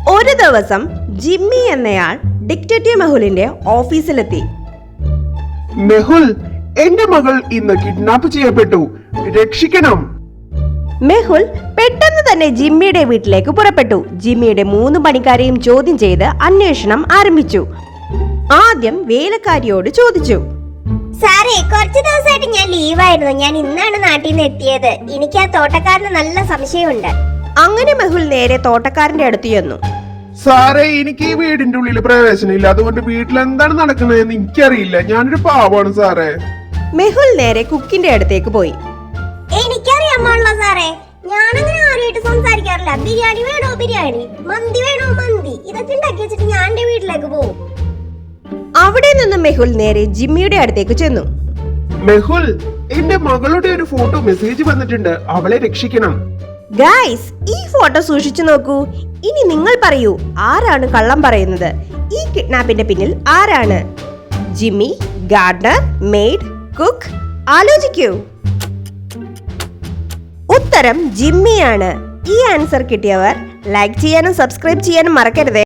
ഒരു ദിവസം ജിമ്മി എന്നയാൾ ഡിറ്റക്റ്റീവ് മെഹുലിന്റെ ഓഫീസിലെത്തി. മെഹുൽ, എന്റെ മകൾ ഇന്ന് കിഡ്നാപ്പ് ചെയ്യപ്പെട്ടു, രക്ഷിക്കണം. മെഹുൽ പെട്ടെന്ന് തന്നെ ജിമ്മിയുടെ വീട്ടിലേക്ക് പുറപ്പെട്ടു. ജിമ്മിയുടെ 3 പണിക്കാരെയും ചോദ്യം ചെയ്ത് അന്വേഷണം ആരംഭിച്ചു. ആദ്യം വേലക്കാരിയോട് ചോദിച്ചു, സാറേ, കുറച്ചു ദിവസമായിട്ട് ഞാൻ ലീവായിരുന്നു. ഞാൻ ഇന്നാണ് നാട്ടിൽ നിന്ന് എത്തിയത്. എനിക്ക് ആ തോട്ടക്കാരന് നല്ല സംശയമുണ്ട്. അങ്ങനെ മെഹുൽ നേരെ തോട്ടക്കാരന്റെ അടുത്ത് ചെന്നു. സാറേ, എനിക്ക് ഈ വീടിന്റെ ഉള്ളിൽ പ്രവേശനമില്ല, അതുകൊണ്ട് വീട്ടിൽ എന്താണ് നടക്കുന്നതെന്ന് എനിക്കറിയില്ല. ഞാനൊരു പാവാണ് സാറേ. മെഹുൽ നേരെ കുക്കിന്റെ അടുത്തേക്ക് പോയി. എനിക്കറിയാമല്ലോ സാറേ, ഞാനങ്ങനെ ആരുമായിട്ട് സംസാരിക്കാറില്ല. ബിരിയാണി വേണോ ബിരിയാണി, മന്തി വേണോ മന്തി, ഇതൊക്കെ ഉണ്ടാക്കി വെച്ചിട്ട് ഞാൻ എന്റെ വീട്ടിലേക്ക് പോകും. അവിടെ നിന്ന് മെഹുൽ നേരെ ജിമ്മിയുടെ അടുത്തേക്ക് ചെന്നു. മെഹുൽ, എന്റെ മകളുടെ ഒരു ഫോട്ടോ മെസ്സേജ് വന്നിട്ടുണ്ട്, അവളെ രക്ഷിക്കണം. ഗായ്സ്, ഈ ഫോട്ടോ സൂക്ഷിച്ചു നോക്കൂ. ഇനി നിങ്ങൾ പറയൂ, ആരാണ് കള്ളം പറയുന്നത്? ഈ കിഡ്നാപ്പിന്റെ പിന്നിൽ ആരാണ്? Jimmy, gardener, maid, cook? ആലോചിക്കൂ. ഉത്തരം ജിമ്മിയാണ്. ഈ ആൻസർ കിട്ടിയവർ ലൈക്ക് ചെയ്യാനും സബ്സ്ക്രൈബ് ചെയ്യാനും മറക്കരുത്.